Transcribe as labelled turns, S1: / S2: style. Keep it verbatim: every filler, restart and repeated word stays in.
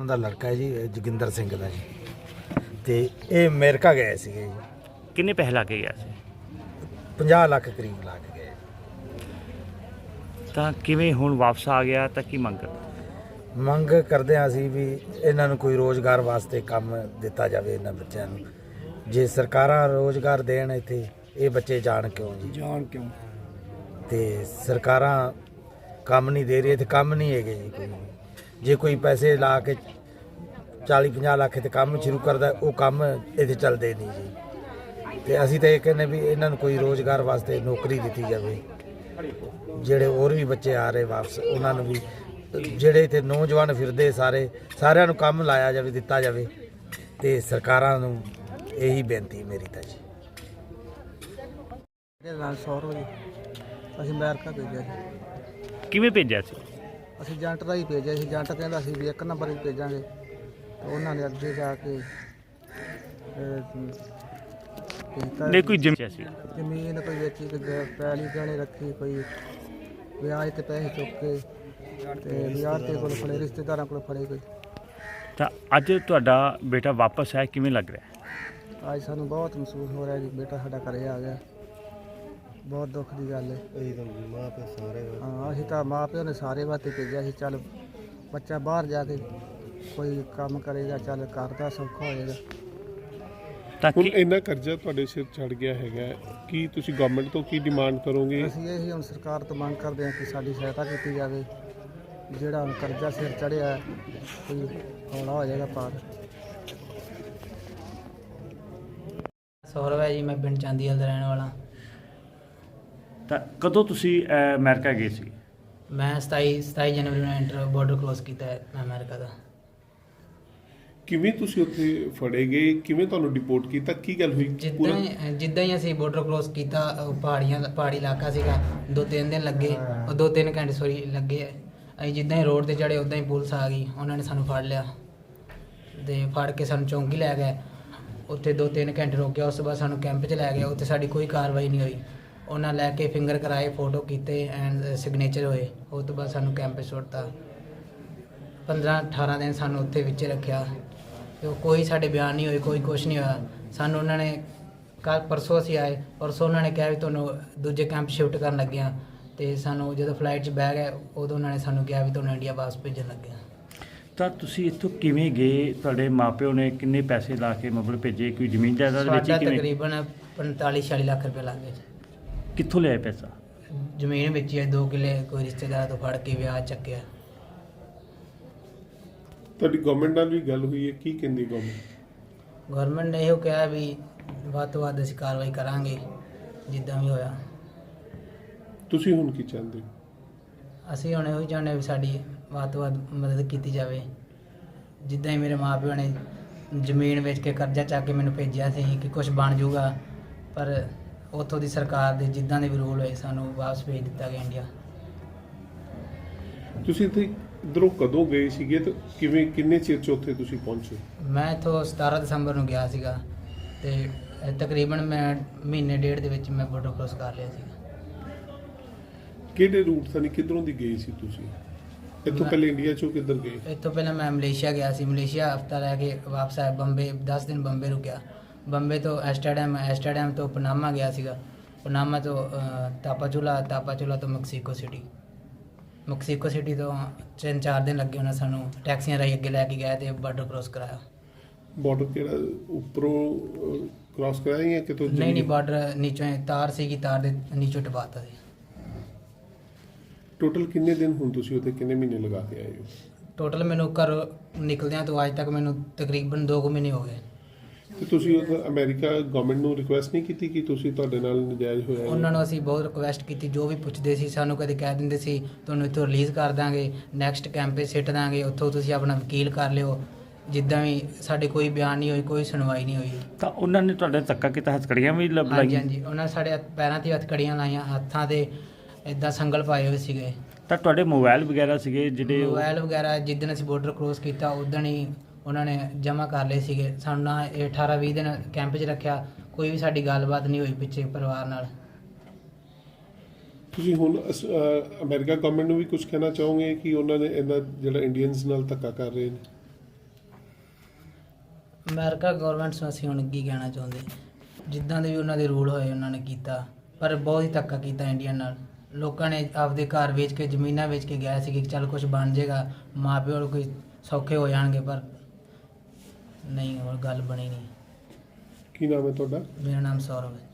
S1: ਨਾਮ ਦਾ ਲੜਕਾ ਹੈ ਜੀ, ਜੋਗਿੰਦਰ ਸਿੰਘ ਦਾ ਜੀ। ਤੇ ਇਹ ਅਮਰੀਕਾ ਗਏ ਸੀਗੇ ਜੀ।
S2: ਕਿੰਨੇ ਪੈਸੇ ਲਾ ਕੇ ਗਿਆ ਸੀ?
S1: ਪੰਜਾਹ ਲੱਖ ਕਰੀਬ ਲਾ ਕੇ ਗਏ।
S2: ਤਾਂ ਕਿਵੇਂ ਹੁਣ ਵਾਪਸ ਆ ਗਿਆ ਤਾਂ ਕੀ ਮੰਗ?
S1: ਮੰਗ ਕਰਦੇ ਹਾਂ ਅਸੀਂ ਵੀ ਇਹਨਾਂ ਨੂੰ ਕੋਈ ਰੋਜ਼ਗਾਰ ਵਾਸਤੇ ਕੰਮ ਦਿੱਤਾ ਜਾਵੇ ਇਹਨਾਂ ਬੱਚਿਆਂ ਨੂੰ। ਜੇ ਸਰਕਾਰਾਂ ਰੋਜ਼ਗਾਰ ਦੇਣ ਇੱਥੇ, ਇਹ ਬੱਚੇ ਜਾਣ ਕਿਉਂ ਜੀ?
S3: ਜਾਣ ਕਿਉਂ?
S1: ਤੇ ਸਰਕਾਰਾਂ ਕੰਮ ਨਹੀਂ ਦੇ ਰਹੀ, ਇੱਥੇ ਕੰਮ ਨਹੀਂ ਹੈਗੇ ਜੀ ਕੋਈ। ਜੇ ਕੋਈ ਪੈਸੇ ਲਾ ਕੇ ਚਾਲੀ ਪੰਜਾਹ ਲੱਖ ਤੇ ਕੰਮ ਸ਼ੁਰੂ ਕਰਦਾ, ਉਹ ਕੰਮ ਇੱਥੇ ਚੱਲਦੇ ਨਹੀਂ ਜੀ। ਤੇ ਅਸੀਂ ਤਾਂ ਇਹ ਕਹਿੰਦੇ ਵੀ ਇਹਨਾਂ ਨੂੰ ਕੋਈ ਰੋਜ਼ਗਾਰ ਵਾਸਤੇ ਨੌਕਰੀ ਦਿੱਤੀ ਜਾਵੇ। ਜਿਹੜੇ ਹੋਰ ਵੀ ਬੱਚੇ ਆ ਰਹੇ ਵਾਪਸ, ਉਹਨਾਂ ਨੂੰ ਵੀ, ਜਿਹੜੇ ਇੱਥੇ ਨੌਜਵਾਨ ਫਿਰਦੇ ਸਾਰੇ, ਸਾਰਿਆਂ ਨੂੰ ਕੰਮ ਲਾਇਆ ਜਾਵੇ, ਦਿੱਤਾ ਜਾਵੇ। ਤੇ ਸਰਕਾਰਾਂ ਨੂੰ ਇਹੀ ਬੇਨਤੀ ਮੇਰੀ ਤਾਂ ਜੀ।
S3: ਇਹਦੇ ਨਾਲ ਸੌਰਵ ਜੀ, ਅਸੀਂ ਅਮਰੀਕਾ ਭੇਜਿਆ ਜੀ।
S2: ਕਿਵੇਂ ਭੇਜਿਆ ਸੀ?
S3: ਅਸੀਂ ਏਜੰਟ ਦਾ ਹੀ ਭੇਜਿਆ ਸੀ। ਏਜੰਟ ਕਹਿੰਦਾ ਸੀ ਵੀ ਇੱਕ ਨੰਬਰ ਹੀ ਭੇਜਾਂਗੇ, ਤੇ ਉਹਨਾਂ ਨੇ ਅੱਗੇ ਜਾ ਕੇ ਅਹ,
S2: ਨਹੀਂ ਕੋਈ ਜ਼ਮੀਨ ਸੀ?
S3: ਜ਼ਮੀਨ ਕੋਈ ਵੇਚੀ, ਕੋਈ ਪੈਲੀ ਗਹਿਣੇ ਰੱਖੀ, ਕੋਈ ਵਿਆਜ ਤੇ ਪੈਸੇ ਚੁੱਕ ਕੇ, ਤੇ ਵਿਆਹ ਤੇ ਕੋਲ ਫੜੇ, ਰਿਸ਼ਤੇਦਾਰਾਂ ਕੋਲ ਫੜੇ ਕੋਈ।
S2: ਤਾਂ ਅੱਜ ਤੁਹਾਡਾ ਬੇਟਾ ਵਾਪਸ ਆਇਆ, ਕਿਵੇਂ ਲੱਗ ਰਿਹਾ?
S3: ਅੱਜ ਸਾਨੂੰ ਬਹੁਤ ਮਹਿਸੂਸ ਹੋ ਰਿਹਾ ਜੀ, ਬੇਟਾ ਸਾਡਾ ਘਰੇ ਆ ਗਿਆ। ਬਹੁਤ ਦੁੱਖ ਦੀ ਗੱਲ ਹੈ। ਹਾਂ, ਅਸੀਂ ਤਾਂ ਮਾਂ ਪਿਓ ਨੇ ਸਾਰੇ ਵਾਸਤੇ ਭੇਜਿਆ ਸੀ। ਚੱਲ ਬੱਚਾ ਬਾਹਰ ਜਾ ਕੇ ਕੋਈ ਕੰਮ ਕਰੇਗਾ, ਚੱਲ ਘਰ ਦਾ ਸੌਖਾ ਹੋਏਗਾ।
S2: ਤਾਂ
S4: ਹੁਣ
S2: ਕੀ
S4: ਇੰਨਾ ਕਰਜ਼ਾ ਤੁਹਾਡੇ ਸਿਰ ਚੜ ਗਿਆ ਹੈਗਾ, ਕੀ ਤੁਸੀਂ ਗਵਰਨਮੈਂਟ ਤੋਂ ਕੀ ਡਿਮਾਂਡ ਕਰੋਗੇ?
S3: ਅਸੀਂ ਇਹ ਹੀ ਹੁਣ ਸਰਕਾਰ ਤੋਂ ਮੰਗ ਕਰਦੇ ਹਾਂ ਕਿ ਸਾਡੀ ਸਹਾਇਤਾ ਕੀਤੀ ਜਾਵੇ। ਜਿਹੜਾ ਹੁਣ ਕਰਜ਼ਾ ਸਿਰ ਚੜਿਆ, ਕੋਈ ਹੌਲਾ ਹੋ ਜਾਏਗਾ ਪਾਰ।
S5: ਸੌਰਵ ਹੈ ਜੀ, ਮੈਂ ਪਿੰਡ ਚਾਂਦੀਵਾਲ ਦਾ ਰਹਿਣ ਵਾਲਾ।
S2: ਤਾਂ ਕਦੋਂ ਤੁਸੀਂ ਅਹ, ਅਮਰੀਕਾ ਗਏ ਸੀ?
S5: ਮੈਂ ਸਤਾਈ ਸਤਾਈ ਜਨਵਰੀ ਨੂੰ ਐਂਟਰ ਬਾਰਡਰ ਕ੍ਰੋਸ ਕੀਤਾ ਹੈ ਮੈਂ ਅਮਰੀਕਾ ਦਾ।
S4: ਕਿਵੇਂ ਤੁਸੀਂ ਉੱਥੇ ਫੜੇ ਗਏ, ਕਿਵੇਂ ਤੁਹਾਨੂੰ ਡਿਪੋਰਟ ਕੀਤਾ, ਕੀ ਗੱਲ ਹੋਈ?
S5: ਜਿੱਦਾਂ ਹੀ ਜਿੱਦਾਂ ਹੀ ਅਸੀਂ ਬਾਰਡਰ ਕ੍ਰੋਸ ਕੀਤਾ, ਉਹ ਪਹਾੜੀਆਂ ਦਾ ਪਹਾੜੀ ਇਲਾਕਾ ਸੀਗਾ। ਦੋ ਤਿੰਨ ਦਿਨ ਲੱਗੇ, ਉਹ ਦੋ ਤਿੰਨ ਘੰਟੇ ਸੋਰੀ ਲੱਗੇ। ਅਸੀਂ ਜਿੱਦਾਂ ਹੀ ਰੋਡ ਤੇ ਚੜ੍ਹੇ, ਉੱਦਾਂ ਹੀ ਪੁਲਿਸ ਆ ਗਈ। ਉਹਨਾਂ ਨੇ ਸਾਨੂੰ ਫੜ ਲਿਆ ਤੇ ਫੜ ਕੇ ਸਾਨੂੰ ਚੌਂਕੀ ਲੈ ਗਏ। ਉੱਥੇ ਦੋ ਤਿੰਨ ਘੰਟੇ ਰੋਕਿਆ। ਉਸ ਤੋਂ ਬਾਅਦ ਸਾਨੂੰ ਕੈਂਪ 'ਚ ਲੈ ਗਏ। ਉੱਥੇ ਸਾਡੀ ਕੋਈ ਕਾਰਵਾਈ ਨਹੀਂ ਹੋਈ। ਉਹਨਾਂ ਲੈ ਕੇ ਫਿੰਗਰ ਕਰਾਏ, ਫੋਟੋ ਕੀਤੇ ਐਂਡ ਸਿਗਨੇਚਰ ਹੋਏ। ਉਸ ਤੋਂ ਬਾਅਦ ਸਾਨੂੰ ਕੈਂਪ 'ਚ ਸੁੱਟਤਾ। ਪੰਦਰਾਂ ਅਠਾਰਾਂ ਦਿਨ ਸਾਨੂੰ ਉੱਥੇ ਵਿੱਚ ਰੱਖਿਆ ਤੇ ਉਹ ਕੋਈ ਸਾਡੇ ਬਿਆਨ ਨਹੀਂ ਹੋਏ, ਕੋਈ ਕੁਛ ਨਹੀਂ ਹੋਇਆ। ਸਾਨੂੰ ਉਹਨਾਂ ਨੇ ਕੱਲ੍ਹ ਪਰਸੋਂ ਅਸੀਂ ਆਏ, ਪਰਸੋਂ ਉਹਨਾਂ ਨੇ ਕਿਹਾ ਵੀ ਤੁਹਾਨੂੰ ਦੂਜੇ ਕੈਂਪ ਸ਼ਿਫਟ ਕਰਨ ਲੱਗੇ ਹਾਂ। ਅਤੇ ਸਾਨੂੰ ਜਦੋਂ ਫਲਾਈਟ 'ਚ ਬਹਿ ਗਏ, ਉਦੋਂ ਉਹਨਾਂ ਨੇ ਸਾਨੂੰ ਕਿਹਾ ਵੀ ਤੁਹਾਨੂੰ ਇੰਡੀਆ ਵਾਪਸ ਭੇਜਣ ਲੱਗੇ ਹਾਂ।
S2: ਤਾਂ ਤੁਸੀਂ ਇੱਥੋਂ ਕਿਵੇਂ ਗਏ? ਤੁਹਾਡੇ ਮਾਪਿਓ ਨੇ ਕਿੰਨੇ ਪੈਸੇ ਲਾ ਕੇ ਮਤਲਬ ਭੇਜੇ? ਕੋਈ ਜ਼ਮੀਨ ਜਾਇਦਾਦ ਵਿੱਚ
S5: ਸਾਡਾ
S2: ਕਿਵੇਂ?
S5: ਤਕਰੀਬਨ ਪੰਤਾਲੀ ਛਿਆਲੀ ਲੱਖ ਰੁਪਏ ਲੱਗ ਗਏ।
S2: ਕਿੱਥੋਂ ਲਿਆਏ ਪੈਸਾ?
S5: ਜ਼ਮੀਨ ਵੇਚੀ ਹੈ, ਦੋ ਕਿੱਲੇ ਕੋਈ ਰਿਸ਼ਤੇਦਾਰ ਤੋਂ ਫੜ ਕੇ ਵਿਆਹ ਚੱਕਿਆ।
S4: ਤੁਹਾਡੀ ਗਵਰਨਮੈਂਟ ਨਾਲ ਵੀ ਗੱਲ ਹੋਈ ਹੈ, ਕੀ ਕਹਿੰਦੀ ਗਵਰਨਮੈਂਟ?
S5: ਗਵਰਨਮੈਂਟ ਨੇ ਇਹੋ ਕਿਹਾ ਵੀ ਵੱਧ ਤੋਂ ਵੱਧ ਅਸੀਂ ਕਾਰਵਾਈ ਕਰਾਂਗੇ ਜਿੱਦਾਂ ਵੀ ਹੋਇਆ।
S4: ਤੁਸੀਂ ਹੁਣ ਕੀ ਚਾਹੁੰਦੇ ਹੋ?
S5: ਅਸੀਂ ਹੁਣ ਇਹੋ ਹੀ ਚਾਹੁੰਦੇ ਵੀ ਸਾਡੀ ਵੱਧ ਤੋਂ ਵੱਧ ਮਦਦ ਕੀਤੀ ਜਾਵੇ। ਜਿੱਦਾਂ ਹੀ ਮੇਰੇ ਮਾਂ ਪਿਓ ਨੇ ਜ਼ਮੀਨ ਵੇਚ ਕੇ ਕਰਜ਼ਾ ਚੱਕ ਕੇ ਮੈਨੂੰ ਭੇਜਿਆ ਸੀ ਕਿ ਕੁਝ ਬਣ ਜਾਊਗਾ, ਪਰ ਉੱਥੋਂ ਦੀ ਸਰਕਾਰ ਦੇ ਜਿੱਦਾਂ ਦੇ ਵੀ ਰੂਲ ਹੋਏ, ਸਾਨੂੰ ਵਾਪਸ ਭੇਜ ਦਿੱਤਾ ਗਿਆ ਇੰਡੀਆ।
S4: ਤੁਸੀਂ ਇੱਥੇ ਇੱਧਰੋਂ ਕਦੋਂ ਗਏ ਸੀਗੇ ਤੇ ਕਿਵੇਂ, ਕਿੰਨੇ ਚਿਰ 'ਚ ਉੱਥੇ ਤੁਸੀਂ ਪਹੁੰਚੇ?
S5: ਮੈਂ ਇੱਥੋਂ ਸਤਾਰਾਂ ਦਸੰਬਰ ਨੂੰ ਗਿਆ ਸੀਗਾ ਅਤੇ ਤਕਰੀਬਨ ਮੈਂ ਮਹੀਨੇ ਡੇਢ ਦੇ ਵਿੱਚ ਮੈਂ ਬਾਰਡਰ ਕ੍ਰੋਸ ਕਰ ਲਿਆ ਸੀ।
S4: ਕਿਹੜੇ ਰੂਟ ਤੋਂ, ਕਿੱਧਰੋਂ ਦੀ ਗਏ ਸੀ ਤੁਸੀਂ? ਇੱਥੋਂ ਪਹਿਲੇ ਇੰਡੀਆ 'ਚੋਂ ਕਿੱਧਰ ਗਏ?
S5: ਇੱਥੋਂ ਪਹਿਲਾਂ ਮੈਂ ਮਲੇਸ਼ੀਆ ਗਿਆ ਸੀ। ਮਲੇਸ਼ੀਆ ਹਫਤਾ ਰਹਿ ਕੇ ਵਾਪਸ ਆਇਆ। ਬੰਬੇ ਦਸ ਦਿਨ ਬੰਬੇ ਰੁਕਿਆ। ਬੰਬੇ ਤੋਂ ਐਸਟਰਡਮ, ਐਸਟਰਡਮ ਤੋਂ ਪਨਾਮਾ ਗਿਆ ਸੀਗਾ। ਪਨਾਮਾ ਤੋਂ ਤਾਪਾਚੁਲਾ, ਤਾਪਾਚੁਲਾ ਤੋਂ ਮੈਕਸੀਕੋ ਸਿਟੀ। ਮੈਕਸੀਕੋ ਸਿਟੀ ਤੋਂ ਤਿੰਨ ਚਾਰ ਦਿਨ ਲੱਗੇ। ਉਹਨਾਂ ਸਾਨੂੰ ਟੈਕਸੀਆਂ ਰਾਹੀਂ ਅੱਗੇ ਲੈ ਕੇ ਗਏ ਅਤੇ ਬਾਰਡਰ ਕ੍ਰੋਸ ਕਰਾਇਆ।
S4: ਬਾਰਡਰ ਕਿਹੜਾ ਉੱਪਰੋਂ ਕ੍ਰਾਸ ਕਰਾਇਆ ਜਾਂ ਕਿਤੋਂ?
S5: ਨਹੀਂ ਨਹੀਂ, ਬਾਰਡਰ ਨੀਚੋਂ ਤਾਰ ਸੀਗੀ, ਤਾਰ ਦੇ ਨੀਚੋਂ ਟਪਾਤਾ ਸੀ।
S4: ਟੋਟਲ ਕਿੰਨੇ ਦਿਨ ਹੁਣ ਤੁਸੀਂ ਉੱਥੇ, ਕਿੰਨੇ ਮਹੀਨੇ ਲਗਾ ਕੇ ਆਏ ਹੋ?
S5: ਟੋਟਲ ਮੈਨੂੰ ਘਰ ਨਿਕਲਦਿਆਂ ਤੋਂ ਅੱਜ ਤੱਕ ਮੈਨੂੰ ਤਕਰੀਬਨ ਦੋ ਕੁ ਮਹੀਨੇ ਹੋ ਗਏ।
S4: ਤੇ ਤੁਸੀਂ ਉੱਥੇ ਅਮਰੀਕਾ ਗਵਰਨਮੈਂਟ ਨੂੰ ਰਿਕੁਐਸਟ ਨਹੀਂ ਕੀਤੀ ਕਿ ਤੁਸੀਂ, ਤੁਹਾਡੇ ਨਾਲ ਨਜਾਇਜ਼ ਹੋਇਆ?
S5: ਉਹਨਾਂ ਨੂੰ ਅਸੀਂ ਬਹੁਤ ਰਿਕੁਐਸਟ ਕੀਤੀ। ਜੋ ਵੀ ਪੁੱਛਦੇ ਸੀ ਸਾਨੂੰ ਕਦੇ ਕਹਿ ਦਿੰਦੇ ਸੀ ਤੁਹਾਨੂੰ ਇੱਥੋਂ ਰਿਲੀਜ਼ ਕਰ ਦਾਂਗੇ, ਨੈਕਸਟ ਕੈਂਪ 'ਤੇ ਸਿੱਟ ਦਾਂਗੇ, ਉੱਥੋਂ ਤੁਸੀਂ ਆਪਣਾ ਵਕੀਲ ਕਰ ਲਿਓ। ਜਿੱਦਾਂ ਵੀ ਸਾਡੇ ਕੋਈ ਬਿਆਨ ਨਹੀਂ ਹੋਈ, ਕੋਈ ਸੁਣਵਾਈ ਨਹੀਂ ਹੋਈ।
S2: ਤਾਂ ਉਹਨਾਂ ਨੇ ਤੁਹਾਡੇ ਧੱਕਾ ਕੀਤਾ, ਹੱਥਕੜੀਆਂ ਵੀ ਲੱਭ
S5: ਹਾਂਜੀ
S2: ਲਾਈਆਂ?
S5: ਹਾਂਜੀ, ਉਹਨਾਂ ਨੇ ਸਾਡੇ ਹੱਥ- ਪੈਰਾਂ 'ਤੇ ਹੱਥਕੜੀਆਂ ਲਾਈਆਂ, ਹੱਥਾਂ 'ਤੇ ਇੱਦਾਂ ਸੰਗਲ ਪਾਏ ਹੋਏ ਸੀਗੇ।
S2: ਤਾਂ ਤੁਹਾਡੇ ਮੋਬਾਈਲ ਵਗੈਰਾ ਸੀਗੇ ਜਿਹੜੇ?
S5: ਮੋਬਾਈਲ ਵਗੈਰਾ ਜਿੱਦਣ ਅਸੀਂ ਬਾਰਡਰ ਕ੍ਰੋਸ ਕੀਤਾ ਉਦਣ ਹੀ ਉਹਨਾਂ ਨੇ ਜਮ੍ਹਾਂ ਕਰ ਲਏ ਸੀਗੇ। ਸਾਨੂੰ ਨਾ ਇਹ ਅਠਾਰਾਂ ਵੀਹ ਦਿਨ ਕੈਂਪ 'ਚ ਰੱਖਿਆ, ਕੋਈ ਵੀ ਸਾਡੀ ਗੱਲਬਾਤ ਨਹੀਂ ਹੋਈ ਪਿੱਛੇ ਪਰਿਵਾਰ ਨਾਲ।
S4: ਤੁਸੀਂ ਹੁਣ ਅਸ- ਅਹ ਅਮਰੀਕਾ ਗਵਰਨਮੈਂਟ ਨੂੰ ਵੀ ਕੁਝ ਕਹਿਣਾ ਚਾਹੋਗੇ ਕਿ ਉਹਨਾਂ ਨੇ ਇਹਨਾਂ ਜਿਹੜਾ ਇੰਡੀਅਨਸ ਨਾਲ ਧੱਕਾ ਕਰ ਰਹੇ ਨੇ?
S5: ਅਮਰੀਕਾ ਗਵਰਨਮੈਂਟ ਨੂੰ ਅਸੀਂ ਹੁਣ ਕੀ ਕਹਿਣਾ ਚਾਹੁੰਦੇ, ਜਿੱਦਾਂ ਦੇ ਵੀ ਉਹਨਾਂ ਦੇ ਰੂਲ ਹੋਏ ਉਹਨਾਂ ਨੇ ਕੀਤਾ, ਪਰ ਬਹੁਤ ਹੀ ਧੱਕਾ ਕੀਤਾ ਇੰਡੀਆ ਨਾਲ। ਲੋਕਾਂ ਨੇ ਆਪਦੇ ਘਰ ਵੇਚ ਕੇ, ਜ਼ਮੀਨਾਂ ਵੇਚ ਕੇ ਗਿਆ ਸੀ ਕਿ ਚੱਲ ਕੁਝ ਬਣ ਜਾਏਗਾ, ਮਾਂ ਪਿਓ ਨੂੰ ਕੋਈ ਸੌਖੇ ਹੋ ਜਾਣਗੇ, ਪਰ ਨਹੀਂ, ਹੋਰ ਗੱਲ ਬਣੀ ਨਹੀਂ।
S4: ਕੀ ਨਾਮ ਹੈ ਤੁਹਾਡਾ?
S5: ਮੇਰਾ ਨਾਮ ਸੌਰਵ ਹੈ।